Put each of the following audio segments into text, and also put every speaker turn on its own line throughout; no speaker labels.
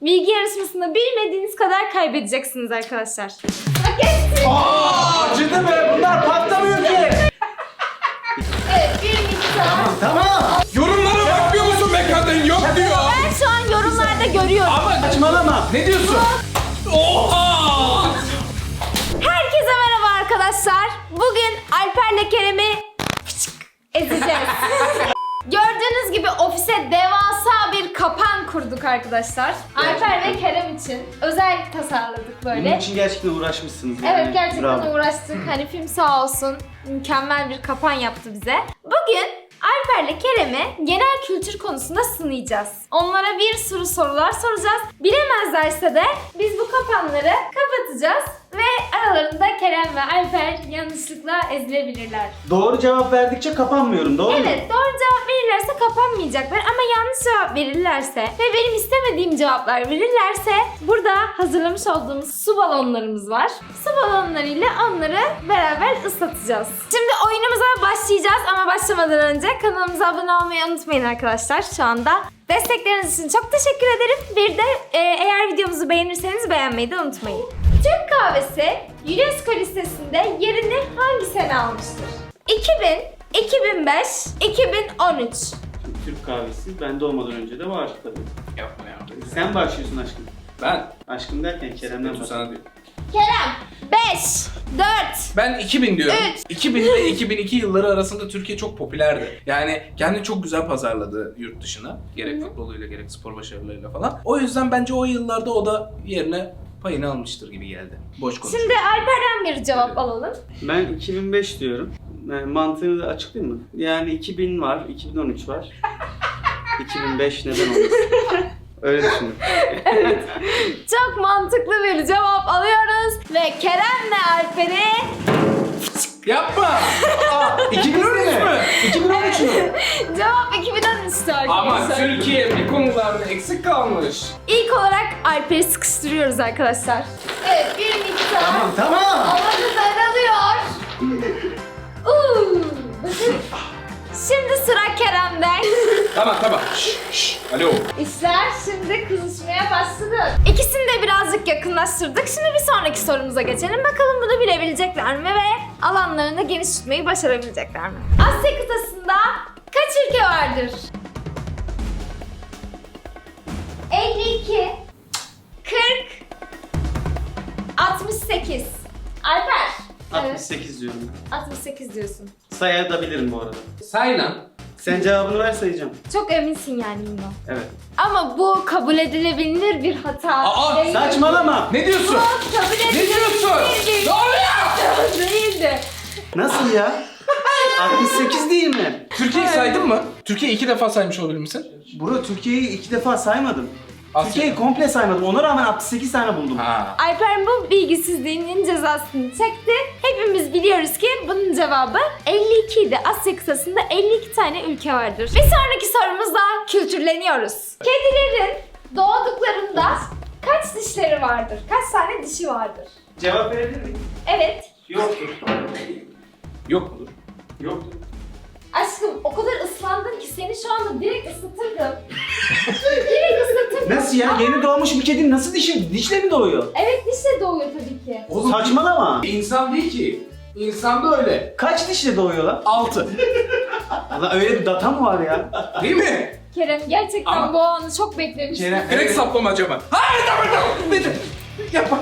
Bilgi yarışmasında bilmediğiniz kadar kaybedeceksiniz arkadaşlar.
Acıdı be, bunlar patlamıyor ki.
Evet, bir miktar.
Tamam.
Yorumlara bakmıyor musun be kadın? Yok diyor.
Ben şu an yorumlarda görüyorum.
Ama
Saçmalama.
ne diyorsun? Oha!
Herkese merhaba arkadaşlar. Bugün Alper'le Kerem'i ezeceğiz. Gördüğünüz gibi ofise devasa bir kapan kurduk arkadaşlar. Alper ve Kerem için özel tasarladık
Bunun
böyle.
için gerçekten uğraşmışsınız yani.
Evet, gerçekten
Bravo.
uğraştık. Hani film sağ olsun mükemmel bir kapan yaptı bize. Bugün Alper'le Kerem'i genel kültür konusunda sınayacağız. Onlara bir sürü sorular soracağız. Bilemezlerse de biz bu kapanları kapatacağız ve aralarında Kerem ve Alper yanlışlıkla ezilebilirler.
Doğru cevap verdikçe kapanmıyorum, doğru mu?
Evet, doğru cevap verirlerse kapanmayacaklar ama yanlış cevap verirlerse ve benim istemediğim cevaplar verirlerse burada hazırlamış olduğumuz su balonlarımız var. Su balonlarıyla onları beraber ıslatacağız. Şimdi oyunumuza başlayacağız ama başlamadan önce kanalımıza abone olmayı unutmayın arkadaşlar şu anda. Destekleriniz için çok teşekkür ederim. Bir de eğer videomuzu beğenirseniz beğenmeyi de unutmayın. Türk kahvesi UNESCO listesinde yerini hangi sene almıştır? 2000, 2005, 2013.
Türk kahvesi bende olmadan önce de var tabii.
Yapma ya.
Sen başlıyorsun aşkım.
Ben
Aşkım derken Kerem'den
kötü sana diyorum.
Kerem 5, 4,
Ben 2000 diyorum.
Üç.
2000 ve 2002 yılları arasında Türkiye çok popülerdi. Yani kendini çok güzel pazarladı yurt dışına. Gerek futboluyla gerek spor başarılarıyla falan. O yüzden bence o yıllarda o da yerine payını almıştır gibi geldi. Boş konuşuyor.
Şimdi Alper'den bir cevap alalım.
Ben 2005 diyorum. Yani mantığını da açıklayayım mı? Yani 2000 var, 2013 var. 2005 neden olmasın? Öyle düşündüm.
Çok mantıklı bir cevap alıyoruz ve Kerem'le Alper'i
Yapma!
2013 mü? 2013 mü?
cevap 2013'tü
Ama
arkadaşlar.
Türkiye bir konularda eksik kalmış.
İlk olarak Alper'i sıkıştırıyoruz arkadaşlar. Evet, bir miktar.
Tamam.
Havamız daralıyor. Şimdi sıra Kerem'de.
Tamam. Şşş. Alo.
İşler şimdi kızışmaya başladı. İkisini de birazcık yakınlaştırdık. Şimdi bir sonraki sorumuza geçelim. Bakalım bunu bilebilecekler mi ve alanlarını geniş tutmayı başarabilecekler mi? Asya kıtasında kaç ülke vardır? 52, 40, 68. Alper.
68 diyorum.
68 diyorsun.
Sayabilirim bu arada.
Saylan.
Sen cevabını ver sayacağım.
Çok eminsin yani bundan.
Evet.
Ama bu kabul edilebilir bir hata.
Aa,
değildi.
Saçmalama.
Ne diyorsun?
Bu kabul
Ne
edilebilir
diyorsun?
bir
Ne oluyor?
değildi.
Nasıl ya? 68 değil mi?
Türkiye'yi saydın mı? Türkiye'yi 2 defa saymış olabilir misin?
Bro, Türkiye'yi 2 defa saymadım.
Asya.
Türkiye'yi komple saymadım. Ona rağmen 68 tane buldum.
Ha.
Alper bu bilgisizliğinin cezasını çekti. Hepimiz biliyoruz ki bunun cevabı 52 idi. Asya kıtasında 52 tane ülke vardır. Bir sonraki sorumuzla kültürleniyoruz. Kedilerin doğduklarında kaç dişleri vardır? Kaç tane dişi vardır?
Cevap verebilir miyim?
Evet.
Yoktur.
Yok mudur?
Yoktur.
Aşkım o kadar ıslandın ki seni şu anda direkt ısıtırdım. Direkt ısıtırdım.
Nasıl ya? Yeni doğmuş bir kedinin nasıl dişle mi doğuyor?
Evet, dişle doğuyor tabii ki.
Oğlum
Saçmalama.
insan değil ki. İnsan da öyle.
Kaç dişle doğuyor lan?
6.
Allah, öyle bir data mı var ya?
Değil mi?
Kerem gerçekten
Ama-
bu anı çok beklemiştim.
Kerem,
Direkt saplamaca mı? Hayır tamam. Nedir? Yapma.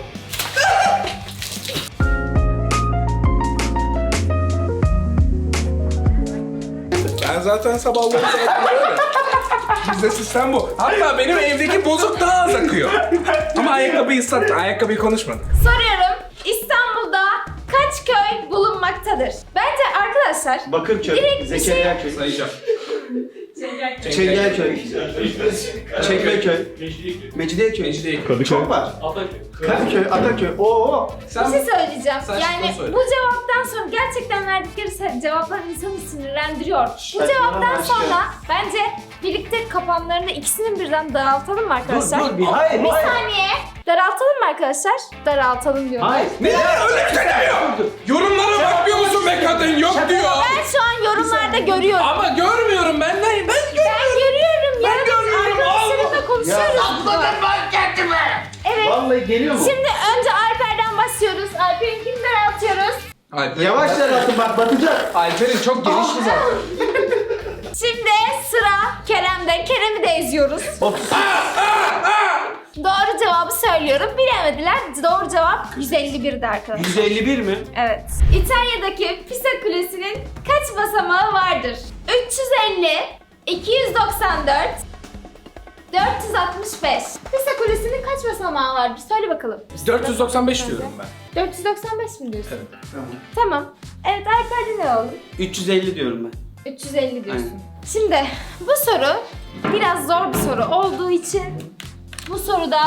Ben zaten sabahları zaten böyle. Bizde sistem bu. Hatta benim evdeki bozuk daha az akıyor. Ama ayakkabıyı ıslat. Ayakkabıyı konuşmadık.
Soruyorum. İstanbul'da kaç köy bulunmaktadır? Bence arkadaşlar
Bakırköy,
direkt bir
Zekeriya köy,
Sayacağım.
Çengelköy, Çekmeköy, Mecidiyeköy.
Mecidiyeköy.
Çok var. Kadıköy, Ataköy. Oo.
bir
Sen
şey söyleyeceğim.
Sen
Yani
şunu söyle.
bu cevaptan sonra gerçekten verdikleri cevaplar insanı sinirlendiriyor. Bu
Saçmalama
cevaptan
aşkım.
sonra bence birlikte kapanlarını ikisinin birden daraltalım mı arkadaşlar?
Dur, hayır,
Bir
hayır.
saniye. Daraltalım mı arkadaşlar? Daraltalım diyorum.
Hayır.
Ne? Öyle bir şey demiyor. Yorumlara bakmıyor musun be kadın? Yok diyor.
Ben şu an yorumlarda görüyorum.
Ama görmüyorum ben. Ben
Ben görüyorum ya.
Ben görüyorum.
Arkadaşlarımla
Ya
Başlıyoruz.
ben kendimi.
Evet.
Vallahi geliyor mu?
Şimdi önce Alper'den başlıyoruz. Alper'inkinden atıyoruz.
Yavaş atın bak batacak.
Alper'in çok genişti zaten.
Şimdi sıra Kerem'de. Kerem'i de eziyoruz. Doğru cevabı söylüyorum. Bilemediler. Doğru cevap 151'di arkadaşlar.
151 mi?
Evet. İtalya'daki Pisa Kulesi'nin kaç basamağı vardır? 350, 294, 465. Pisa Kulesi'nin kaç basamağı vardır? Söyle bakalım.
495 diyorum ben.
495 mi diyorsun?
Evet.
Tamam. Evet, Alper'de ne oldu?
350 diyorum ben.
350 diyorsun.
Aynen.
Şimdi bu soru biraz zor bir soru olduğu için bu soruda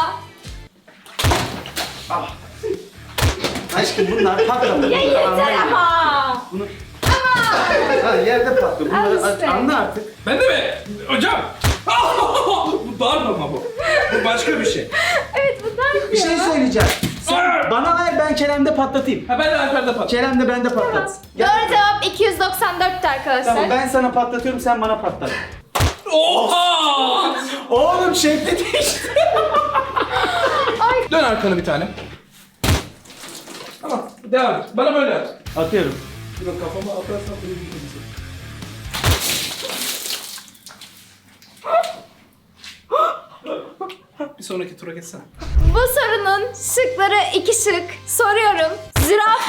Aşkım bunlar patladı.
ya yeter ama.
Bunu... Ha, yerde patlıyor.
Al
Bunları
işte.
anla artık.
Ben de mi? Hocam! Bu darbe ama bu. Bu başka bir şey.
Evet, bu da
Bir şey söyleyeceğim. Sen bana ver, ben Kerem'de patlatayım.
Ha ben de Alper'de patladım.
Kerem de bende patlat.
Doğru cevap 294'tü arkadaşlar.
Tamam, ben sana patlatıyorum, sen bana patlat.
Oha!
Oğlum şekli değişti.
Dön arkanı bir tane. Tamam, devam et. Bana böyle at.
Atıyorum.
Dur kafama atarsan böyle bir şey. Bir sonraki tura geçsene.
Bu sorunun şıkları 2 şık. Soruyorum. Züraf.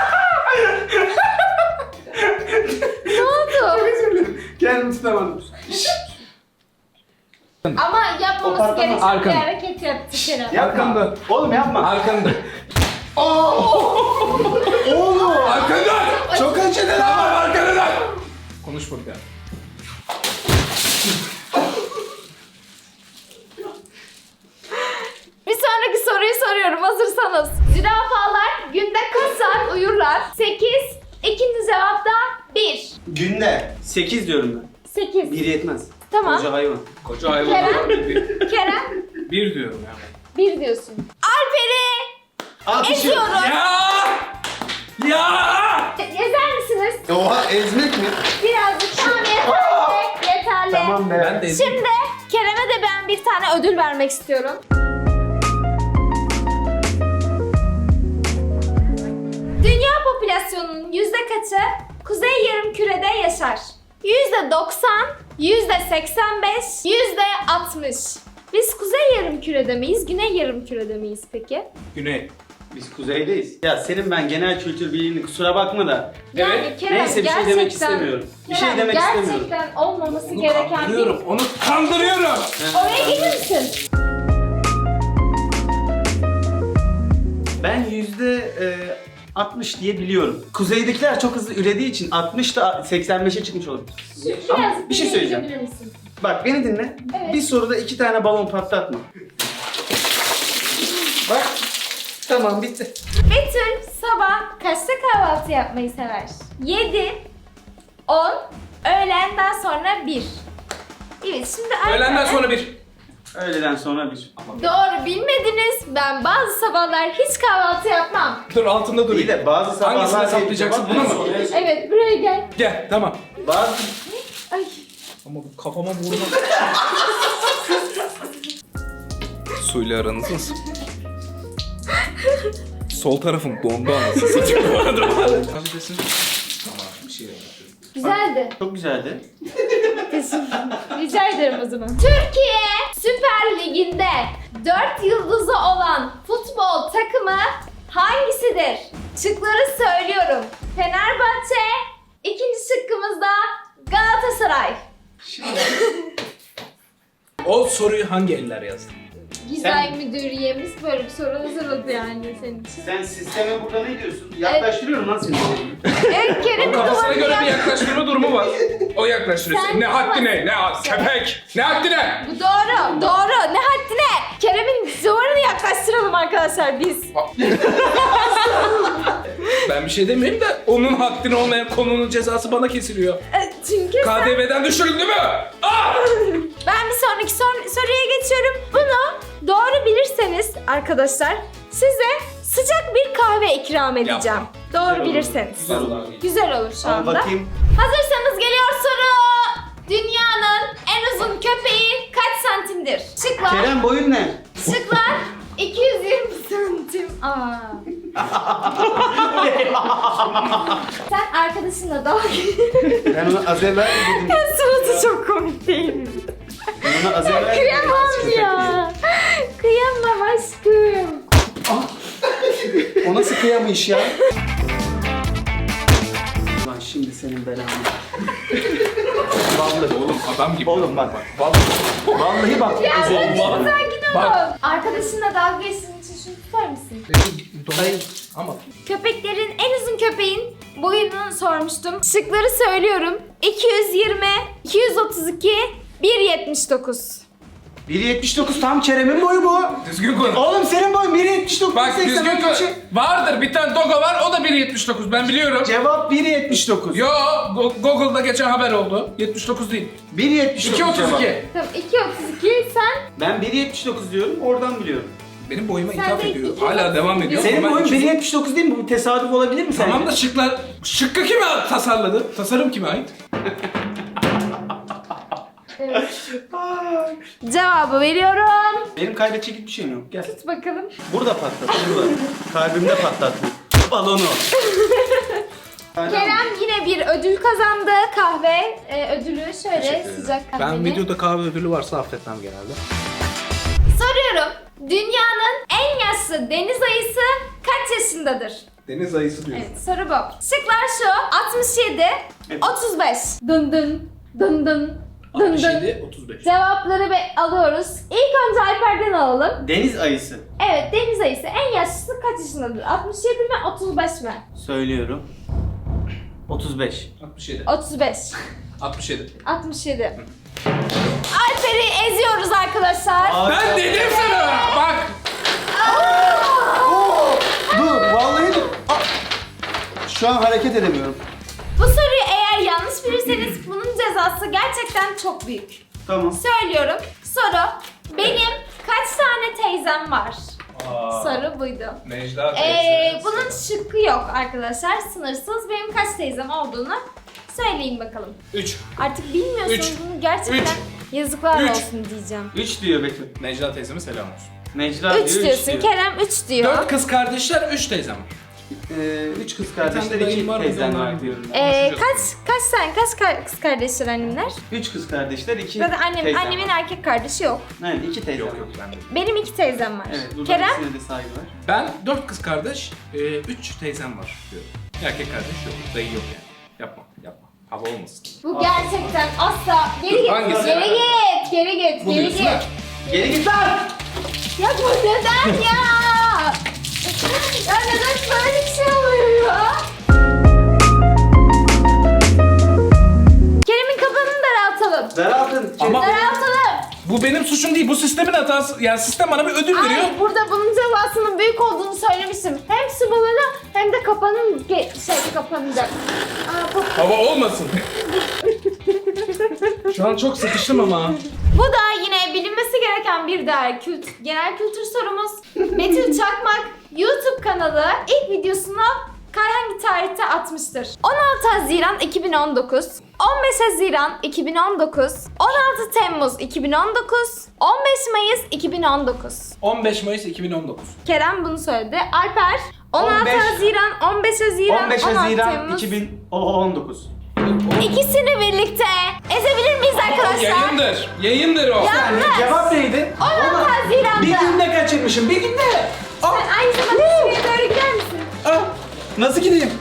Ne oldu?
Kendimi tutamadım.
Ama yapmaması
O patlamaz.
gereken bir
Arkanı.
hareket yaptı Kerem.
Yapma. Oğlum yapma.
Arkanı dön.
Oğlum.
Arkanı dön!
Çok acıdı
Tamam
lan.
arkanı dön! Konuş burada.
Bir sonraki soruyu soruyorum hazırsanız. Zürafalar günde kaç saat uyurlar? 8. İkinci cevap da 1.
Günde. 8 diyorum ben.
8.
1 yetmez.
Tamam.
Koca hayvan.
Koca hayvanlar bir.
Kerem
Bir diyorum yani.
1 diyorsun. Alper'i
Alkışım.
eziyorum.
Ya!
Ezer misiniz?
Oha, ezmek mi?
Birazcık tamam yeterli. Yeterli.
Tamam be.
Ben de ezeyim.
Şimdi Kerem'e de ben bir tane ödül vermek istiyorum. Dünya popülasyonunun yüzde kaçı Kuzey Yarımküre'de yaşar? %90, %85, %60. Biz Kuzey Yarımküre'de miyiz, Güney Yarımküre'de miyiz peki?
Güney.
Biz kuzeydeyiz. Ya senin ben genel kültür bilgini kusura bakma da.
Evet.
Kerem,
Neyse, bir şey
gerçekten-
demek istemiyorum. Bir şey
Kerem,
demek istemiyorum.
gerçekten olmaması
Onu
gereken bir...
kandırıyorum. Onu kandırıyorum.
Oraya gelir misin?
Ben %60 diye biliyorum. Kuzeydekiler çok hızlı ürediği için 60 da 85'e çıkmış olur. Ama
Biraz
bir şey söyleyeceğim.
dinleyebilir misin?
Bak beni dinle.
Evet.
Bir soruda 2 tane balon patlatma. Bak. Tamam, bitti.
Betül sabah kaçta kahvaltı yapmayı sever? 7, 10, öğlenden sonra 1. Evet, şimdi
Öğlenden sonra bir.
Öğleden sonra bir.
Doğru bilmediniz. Ben bazı sabahlar hiç kahvaltı yapmam.
Dur altında
İyi
durayım.
de bazı sabahlar...
Hangisini hesaplayacaksın, bunu mu?
Evet, buraya gel.
Gel tamam.
Bazı...
Ay.
Ama bu kafama vurma. Suyla aranız nasıl? Sol tarafım dondu anasını satayım bu arada. Kafesin. Tamam bir şey yapıyorum.
Güzeldi.
Çok güzeldi.
Rica ederim o zaman. Türkiye Süper Ligi'nde 4 yıldızı olan futbol takımı hangisidir? Şıkları söylüyorum. Fenerbahçe, ikinci şıkkımız da Galatasaray.
O soruyu hangi eller yazdı?
Gizay müdüriyemiz böyle bir soru hazırladı yani senin için.
Sen sisteme burada ne diyorsun? Yaklaştırıyorum lan seni.
Evet, Kerem'in
Kafasına
duvarını
göre bir
yap.
yaklaştırma durumu var. O yaklaştırıyor.
Sen
Ne haddine, ne
yapamazsın.
köpek, ne haddine.
Bu doğru, doğru. Ne haddine? Kerem'in duvarını yaklaştıralım arkadaşlar biz.
Ben bir şey demeyeyim de onun haddine olmayan konunun cezası bana kesiliyor.
Çünkü sen...
KDV'den düşürüldü mü? Ah!
Ben bir sonraki soruya geçiyorum. Bunu doğru bilirseniz arkadaşlar size sıcak bir kahve ikram edeceğim.
Yapma.
Doğru
Güzel olur.
bilirseniz.
Güzel olur.
Güzel olur şu
Al
anda.
bakayım.
Hazırsanız geliyor soru. Dünyanın en uzun köpeği kaç santim santimdir. Şıklar.
Kerem boyun ne?
Şıklar 220 santim. Aa. Sen arkadaşınla dalga
Ben ona az evvel dedim.
Suratı çok komik değil mi?
Ben ona az evvel dedim.
Kıyamam ya. Kıyamam aşkım.
O nasıl kıyamış ya? Lan şimdi senin belanı. Vallahi.
Oğlum adam gibi.
Oğlum bak.
Vallahi.
Vallahi bak.
Ya
Özel.
sakin ol.
Bak.
Arkadaşınla dalga geçtiğin için şunu tutar mısın?
Dolayı ama
Köpeklerin en uzun köpeğin boyunu sormuştum. Şıkları söylüyorum. 220, 232, 1.79.
1.79 tam Kerem'in boyu bu.
düzgün konuş.
Oğlum senin boyun 1.79.
Bak düzgün
80,
konuş. Vardır bir tane Dogo var, o da 1.79, ben biliyorum.
Cevap 1.79.
Yo, Google'da geçen haber oldu. 79 değil.
1.79 cevap.
2.32.
Tamam 2.32 sen
Ben 1.79 diyorum, oradan biliyorum.
Benim boyuma
Sen
ithaf
de
ediyor.
2.32
Hala devam ediyor.
Senin
Ama ben
boyun
200
1.79 değil mi? Bu tesadüf olabilir mi sence?
Tamam da şıklar... Şıkkı kime tasarladı? Tasarım kime ait?
cevabı veriyorum.
Benim kaybedecek bir şeyim yok. Gel.
Tut bakalım.
Burada patlat, burada. Kalbimde patlattım. Balonu.
Kerem yine bir ödül kazandı. Kahve ödülü şöyle sıcak kahveli.
Ben videoda kahve ödülü varsa affetmem genelde.
Soruyorum. Dünyanın en yaşlı deniz ayısı kaç yaşındadır?
Deniz ayısı diyor.
Evet, soru bu. Şıklar şu. 67,
Evet.
35. Dın dın, dın dın, dın dın.
67, 35.
Cevapları alıyoruz. İlk önce Alper'den alalım.
Deniz ayısı.
Evet, deniz ayısı en yaşlısı kaç yaşındadır? 67 mi, 35 mi?
Söylüyorum. 35.
67.
35.
67.
67. Alper'i eziyoruz arkadaşlar.
Ben dedim sana! Bak!
Dur, vallahi dur. Şu an hareket edemiyorum.
Bu soruyu eğer yanlış bilirseniz bunun cezası gerçekten çok büyük.
Tamam.
Söylüyorum. Soru. Benim kaç tane teyzem var? Soru buydu.
Necla teyze.
Bunun şıkkı yok arkadaşlar. Sınırsız. Benim kaç teyzem olduğunu söyleyin bakalım.
3.
Artık bilmiyorsunuz
Üç.
bunu gerçekten
Üç.
yazıklar
Üç.
olsun diyeceğim.
3 diyor Betül.
Necla teyzeme selam olsun.
Necla
3
diyor,
diyorsun.
3 diyor.
Kerem 3 diyor.
4 kız kardeşler, 3 teyzem.
3 kız
Bir tane
kardeşler,
dayım
2
var,
teyzen
onlar
var diyorum.
Kaç kız kardeşler annemler?
3 kız kardeşler, 2
Zaten
teyzen
annemin
var.
erkek kardeşi yok.
Aynen 2 teyzen
Yok
var.
yok ben de.
Benim 2 teyzem var.
Evet, buradan
Kerem
ikisine de saygı var.
Ben 4 kız kardeş, 3 teyzem var diyorum. Erkek kardeş yok, dayı yok yani. Yapma, yapma. Hava olmasın.
bu gerçekten asla geri git.
Hangisi?
Geri git. Geri git.
Bu
Geri
diyorsun ha?
git.
Geri git lan!
Ya bu neden ya? Ya neden böyle bir şey oluyor ya? Kerem'in kafanını daraltalım.
Daraldın.
Ama-
Daraltalım.
Bu benim suçum değil, bu sistemin hatası. Yani sistem bana bir ödül veriyor.
Ay burada bunun cezasının büyük olduğunu söylemiştim. Hem su balonu hem de kapanın kapanacak. Aa, bu
Hava olmasın. Şu an çok sıkıştım ama.
Bu da yine bilinmesi gereken bir diğer genel kültür sorumuz. Betül Çakmak YouTube kanalı ilk videosunu hangi tarihte atmıştır? 16 Haziran 2019, 15 Haziran 2019, 16 Temmuz 2019, 15 Mayıs 2019.
15 Mayıs 2019.
Kerem bunu söyledi. Alper 16
15
Haziran, 15 Haziran,
15
16
Haziran
Temmuz.
2019.
İkisini birlikte ezebilir miyiz arkadaşlar?
Yayındır. Yayındır o.
Yanlış.
Cevap neydi?
16 Haziran'da.
Bir günde kaçırmışım, bir günde.
Sen aynı zamanda şuraya doğru gider misin?
Nasıl gideyim?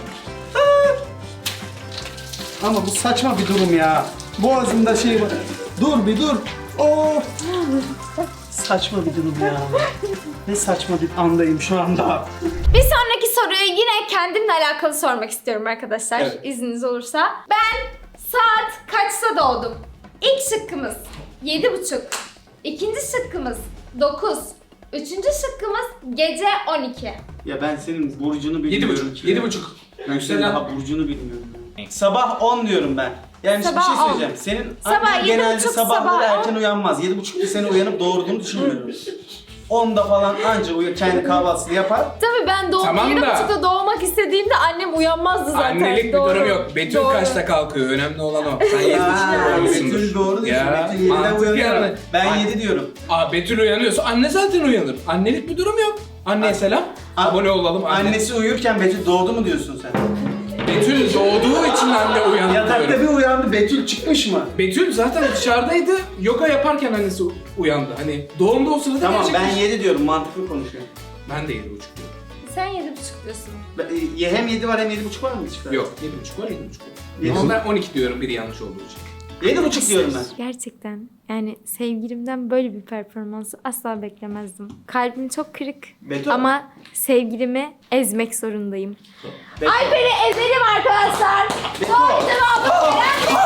Ama bu saçma bir durum ya. Boğazımda şey var. Dur bir dur. Of. Saçma bir durum ya. Ne saçma bir andayım şu anda.
Bir sonraki soruyu yine kendimle alakalı sormak istiyorum arkadaşlar.
Evet.
İzniniz olursa. Ben saat kaçta doğdum? İlk şıkkımız 7.30. İkinci şıkkımız 9. Üçüncü şıkkımız gece 12.
Ya ben senin burcunu bilmiyorum
7.5.
ki.
7.5.
Ben senin daha burcunu bilmiyorum.
Evet.
Sabah 10 diyorum ben. Yani
Sabah
bir şey
10.
söyleyeceğim. Senin
Sabah
annen genelde
7.30,
sabahları
sabah 10.
erken uyanmaz. 7.30'da seni uyanıp doğurduğunu düşünmüyorum. 10'da falan anca uyur, kendi kahvaltısını yapar.
Tabii ben
Tamam
7.30'da doğmak istediğimde annem uyanmazdı zaten.
Annelik bir
Doğru.
durum yok. Betül
Doğru.
kaçta kalkıyor? Önemli olan o. Sen 7.30'da
Aa,
uyanıyorsundur.
Betül doğru diyorsun.
Ya,
Betül 7'de
mantık
uyanıyor.
yani.
Ben 7 diyorum.
Betül uyanıyorsa anne zaten uyanır. Annelik bir durum yok. Anneye selam. Abone olalım anne.
Annesi uyurken Betül doğdu mu diyorsun sen?
Betül doğduğu için anne uyandı
Yatakta
diyorum.
bir uyandı, Betül çıkmış mı?
Betül zaten dışarıdaydı. Yoga yaparken annesi uyandı. Hani doğumda o sırada
Tamam ben
gerçekleşti.
7 diyorum, mantıklı konuşuyorum.
Ben de 7.5 diyorum.
Sen 7.5 diyorsun.
Hem 7 var hem 7,5 var mı çıkar?
Yok 7.5 var 7.5 var.
7,5.
Ama ben 12 diyorum biri yanlış olduğu için.
7,5 diyorum ben.
Gerçekten yani sevgilimden böyle bir performansı asla beklemezdim. Kalbim çok kırık
Betül.
ama sevgilimi ezmek zorundayım.
Betül.
Alper'i ezelim arkadaşlar.
Betül.
Doğru cevabı veren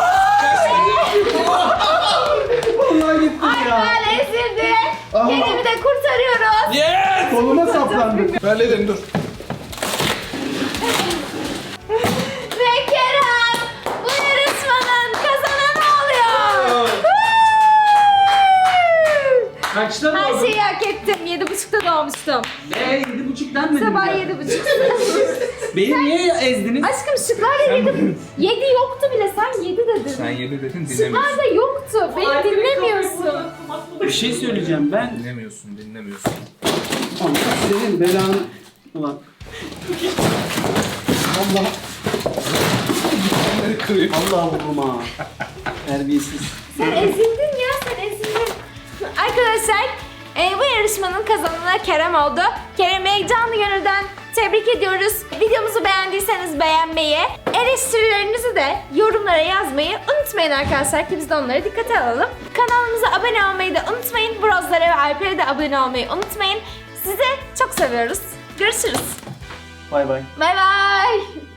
Vallahi gittim ya.
Alper ezildi.
Aha.
Kendimi de kurtarıyoruz.
Yes!
Koluma saplandı.
Halledelim dur.
Ve Kerem bu yarışmanın kazananı oluyor.
Kaçta
Her
doğdun?
şeyi hak ettim. 7.30'da doğmuştum.
7,5'dan mı?
Sabah 7.30.
Beni niye ezdiniz?
Aşkım şıklar 7 yoktu bile. Sen 7 dedin.
Sen 7 dedin
Şıklar
dinlemiyorsun.
da yoktu. Beni dinlemiyorsun.
Bir şey söyleyeceğim ben.
Dinlemiyorsun.
Allah senin belanı. Ulan. Allah.
Onları kırıyor.
Allah vurma. Terbiyesiz.
Sen ezildin ya, sen ezildin. Arkadaşlar, bu yarışmanın kazananı Kerem oldu. Kerem'e canlı gönülden tebrik ediyoruz. Videomuzu beğendiyseniz beğenmeyi, eleştirilerinizi de yorumlara yazmayı unutmayın arkadaşlar ki biz de onları dikkate alalım. Kanalımıza abone olmayı da unutmayın. Brozlara ve Alper'e de abone olmayı unutmayın. Sizi çok seviyoruz. Görüşürüz.
Bay bay.
Bay bay.